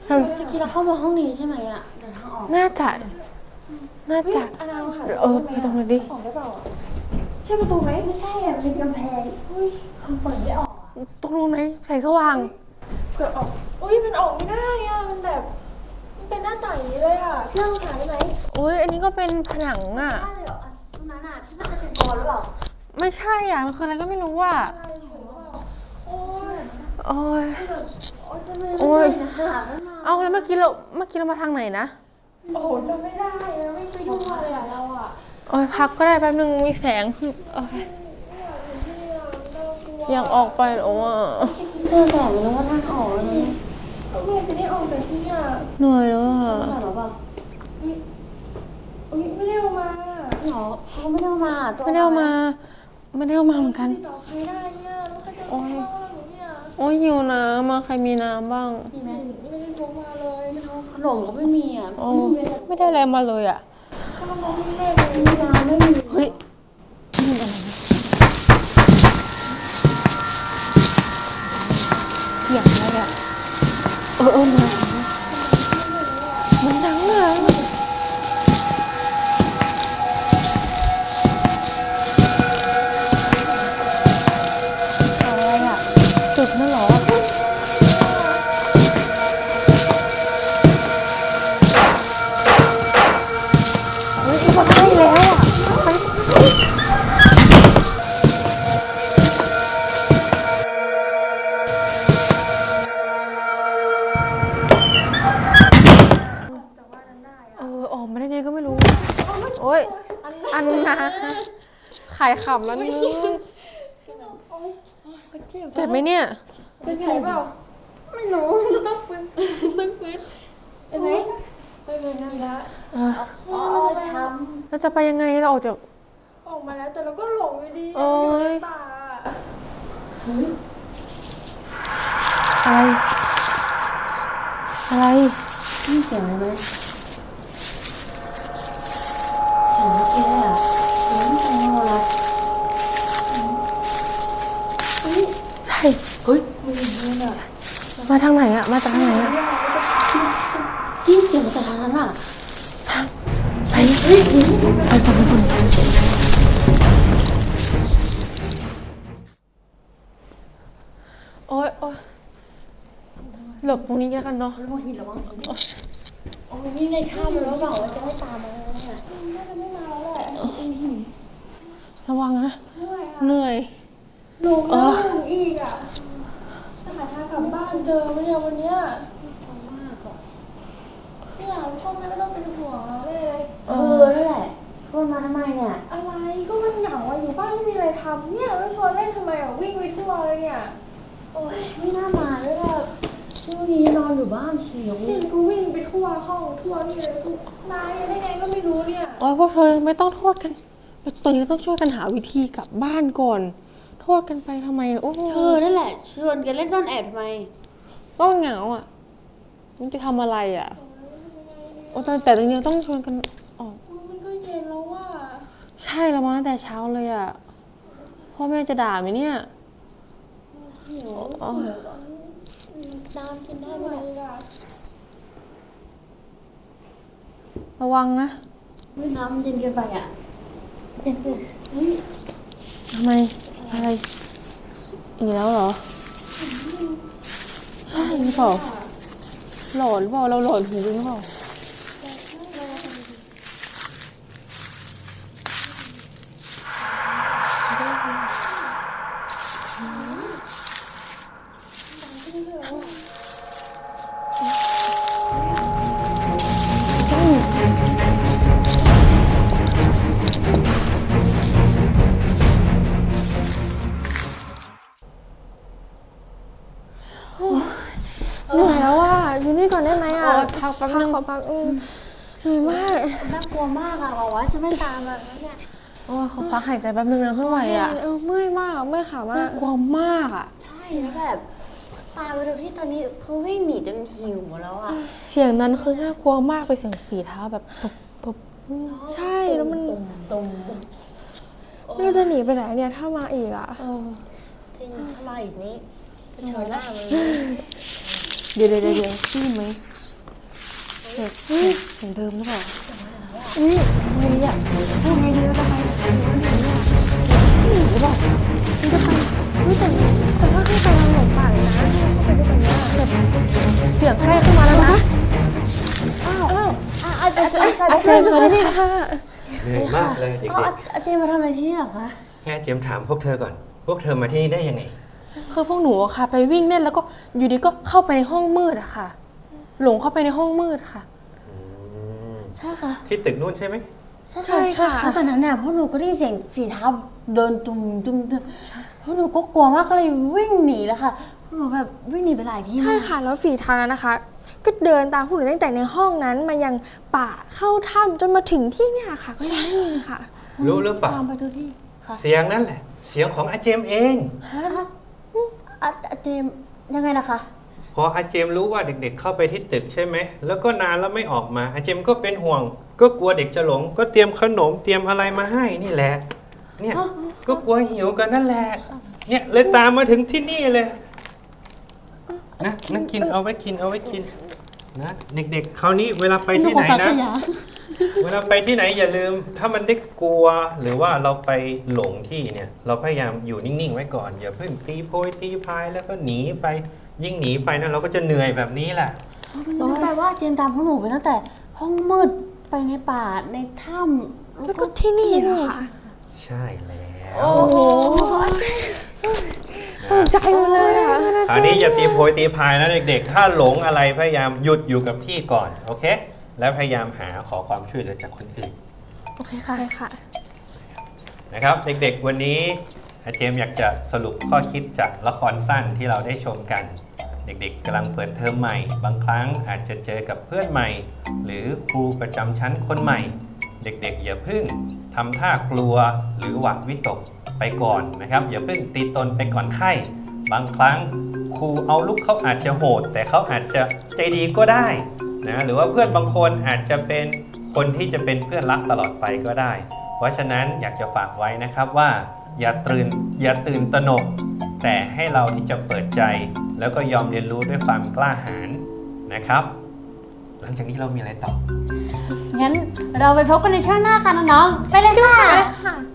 เมื่อกี้เราเข้ามาห้องนี้ใช่ไหมอ่ะเดินทางออกน่าจะอันนั้นค่ะไปตรงนั้นดิออกได้เปล่าใช่ประตูไหมไม่ใช่อ่ะเป็นกำแพงอุ้ยเปิดไม่ออกตรงนู้นไหมแสงสว่างเปิดออกอุ้ยมันออกไม่ได้อ่ะมันแบบมันเป็นหน้าต่างอย่างนี้เลยอ่ะนั่งหาได้ไหมอุ้ยอันนี้ก็เป็นผนังอ่ะได้เลยเหรอตรงนั้นอ่ะที่มันจะเป็นบอลหรือเปล่าไม่ใช่อ่ะมันคืออะไรก็ไม่รู้อ่ะโอ้ยโอ้ยโอ้ยเอาแล้วเมื่อกี้เรามาทางไหนนะโอ้โหจำไม่ได้แล้วไม่ไปดูอะไรอ่ะเราอ่ะโอ้ยพักก็ได้แป๊บนึงมีแสงโอ้ยยังออกไปโอ้ยเจอแสงแล้วว่าทางออกเลยเมื่อจะได้ออกจากที่นี่เหนื่อยแล้วอ่ะหรอเปล่าไม่ได้เอามาหรอเขาไม่ได้เอามาไม่ได้เอามาเหมือนกันต่อใครได้เนี่ยแล้วใครจะโอ้ยเนี่ยโอ้ยหิวน้ำมาใครมีน้ำบ้างมีไหมไม่ได้พกมาเลยขนมก็ไม่มีอ่ะไม่ได้อะไรมาเลยอ่ะข้าวมันไม่ได้เลยมีน้ำไม่มีเฮ้ยนี่อะไรนะเสียงอะไรอ่ะนะมันดังเลยอะไรอ่ะจุดนั่นเหรอเฮ้ยมันใกล้แล้วอ่ะไปออกมาได้ไงก็ไม่รู้โอ้ยอันนะขายขำแล้วนึงเจ็บไหมเนี่ยเป็นแผลเปล่าไม่รู้ต้องฟื้นเป็นไหมไปเลยนั่นละเราจะไปยังไงเราออกมาแล้วแต่เราก็หลงอยู่ดีโอ้ยป่าอะไรนี่เสียงอะไรไหมเสียงเมื่อกี้อ่ะเสียงใครโทรละใช่เฮ้ยมันอย่างนี้อ่ะมาทางไหนอ่ะมาจากทางไหนอ่ะที่เสียงมาจากทางนั้นอ่ะไปฝั่งโอ๊ยหลบตรงนี้กันเนาะระวังหินระวังหินโอ้ยนี่ในถ้ำแล้วเปล่าว่าจะไม่ตามมาแล้วเนี่ยน่าจะไม่มาแล้วแหละระวังนะเหนื่อยหลงอีกอ่ะจะหาทางกลับบ้านเจอไหมเนี่ยวันเนี้ยเนี่ยพ่อแม่ก็ต้องเป็นห่วงเราเลยนั่นแหละชวนมาทำไมเนี่ยอะไรก็มันเหงาอ่ะอยู่บ้านไม่มีอะไรทำเนี่ยแล้วชวนเล่นทำไมอ่ะวิ่งไปทั่วเลยเนี่ยโอ้ยไม่น่ามาด้วยแบบช่วงนี้นอนอยู่บ้านเฉยนี่กูวิ่งไปทั่วห้องทั่วนี่เลยกูมาได้ไงก็ไม่รู้เนี่ยพวกเธอไม่ต้องโทษกันตอนนี้ต้องช่วยกันหาวิธีกลับบ้านก่อนโทษกันไปทำไมโอ้เธอนั่นแหละชวนกันเล่นซ่อนแอบทำไมก็เหงาอ่ะมันจะทำอะไรอ่ะแต่ตอนนี้ต้องชวนกันออกมันก็เย็นแล้วว่าใช่แล้วมาแต่เช้าเลยอ่ะพ่อแม่จะด่าไหมเนี่ยน้ำกินได้ไหมระวังนะน้ำเย็นเกินไปอ่ะเย็นเกินทำไมอะไรอีกแล้วเหรอใช่หรือเปล่าหลอนหรือเปล่าเราหลอนหูหรือเปล่าเหนื่อยแล้วอ่ะอยู่นี่ก่อนได้ไหมอ่ะพักแป๊บนึงขอพักเหนื่อยมากน่ากลัวมากอ่ะบอกว่าจะไม่ตามมาแล้วเนี่ยขอพักหายใจแป๊บนึงนะไม่ไหวอ่ะเมื่อยมากเมื่อยขามากกลัวมากอ่ะใช่แล้วแบบตายไปดูที่ตอนนี้เขาวิ่งหนีจนหิวหมดแล้วอ่ะเสียงนั้นคือน่ากลัวมากไปเสียงฝีเท้าแบบปบใช่แล้วมันตรงไม่รู้จะหนีไปไหนเนี่ยถ้ามาอีกอ่ะจริงถ้ามาอีกนี้เจอหน้าเลยเดี๋ยวได้ยินไหมเสียงเดิมหรือเปล่าอุ้ยไงอ่ะพูดไงดีเราจะไปหนีหรือเปล่ามันจะไปไม่แต่ถ้าขึ้นไปเราหลงป่าเลยนะเข้าไปด้วยกันเนี่ยเสียงใกล้ขึ้นมาแล้วนะอาจารย์สวัสดีค่ะเหนื่อยมากเลยเด็กอาจารย์มาทำอะไรที่นี่เหรอคะๆแค่เจมส์ถามพวกเธอก่อน พวกเธอมาที่นี่ได้ยังไงคือพวกหนูอะค่ะ ไปวิ่งเล่นแล้วก็อยู่ดีก็เข้าไปในห้องมืดอะค่ะ หลงเข้าไปในห้องมืดค่ะใช่ค่ะที่ตึกนู่นใช่ไหมใช่ค่ะแล้วตอนนั้นเนี่ยพวกหนูก็ได้ยินเสียงฝีเท้าเดินตุ่มพวกหนูก็กลัวมากก็เลยวิ่งหนีแล้วค่ะพวกหนูแบบวิ่งหนีไปหลายที่ใช่ค่ะแล้วฝีเท้านั้นนะคะ ก็เดินตามพวกหนูตั้งแต่ในห้องนั้นมายังป่าเข้าถ้ำจนมาถึงที่เนี่ยค่ะ ก็ยังไม่มีค่ะรู้หรือเปล่าตามไปดูที่ค่ะเสียงนั่นแหละ เสียงของอาเจมส์เองอาจารย์ยังไงนะคะพออาเจมส์รู้ว่าเด็กๆเข้าไปที่ตึกใช่ไหม แล้วก็นานแล้วไม่ออกมา อาเจมส์ก็เป็นห่วง ก็กลัวเด็กจะหลง ก็เตรียมขนมเตรียมอะไรมาให้นี่แหละ เนี่ยก็กลัวหิวกันนั่นแหละ เนี่ยเลยตามมาถึงที่นี่เลย นะกินเอาไว้กินนะเด็กๆคราวนี้เวลาไปที่ไหนนะ เวลาไปที่ไหนอย่าลืม ถ้ามันได้กลัวหรือว่าเราไปหลงที่เนี่ย เราพยายามอยู่นิ่งๆไว้ก่อน อย่าเพิ่งตีโพยตีพายแล้วก็หนีไป ยิ่งหนีไปนะเราก็จะเหนื่อยแบบนี้แหละแปลว่าเจนตามพวกหนูไปตั้งแต่ห้องมืดไปในป่าในถ้ำแล้วก็ที่นี่นะคะใช่แล้วโอ้โหตกใจหมดเลยค่ะคราวนี้อย่าตีโพยตีพายนะเด็กๆ ถ้าหลงอะไรพยายามหยุดอยู่กับที่ก่อนโอเค แล้วพยายามขอความช่วยเหลือจากคนอื่นโอเคค่ะค่ะนะครับเด็กๆวันนี้อาเจมส์อยากจะสรุปข้อคิดจากละครสั้นที่เราได้ชมกัน เด็กๆกำลังเปิดเทอมใหม่ บางครั้งอาจจะเจอกับเพื่อนใหม่ หรือครูประจำชั้นคนใหม่ เด็กๆอย่าเพิ่งทำท่ากลัวหรือหวาดวิตกไปก่อนนะครับอย่าเพิ่งตีตนไปก่อนไข้บางครั้งครูเอาลูกเขาอาจจะโหด แต่เขาอาจจะใจดีก็ได้นะหรือว่าเพื่อนบางคนอาจจะเป็นคนที่จะเป็นเพื่อนรักตลอดไปก็ได้ เพราะฉะนั้นอยากจะฝากไว้นะครับว่าอย่าตื่นตระหนก แต่ให้เราที่จะเปิดใจ แล้วก็ยอมเรียนรู้ด้วยความกล้าหาญนะครับ หลังจากนี้เรามีอะไรต่องั้นเราไปพบกันในช่วงหน้าค่ะน้องๆไปเลยค่ะ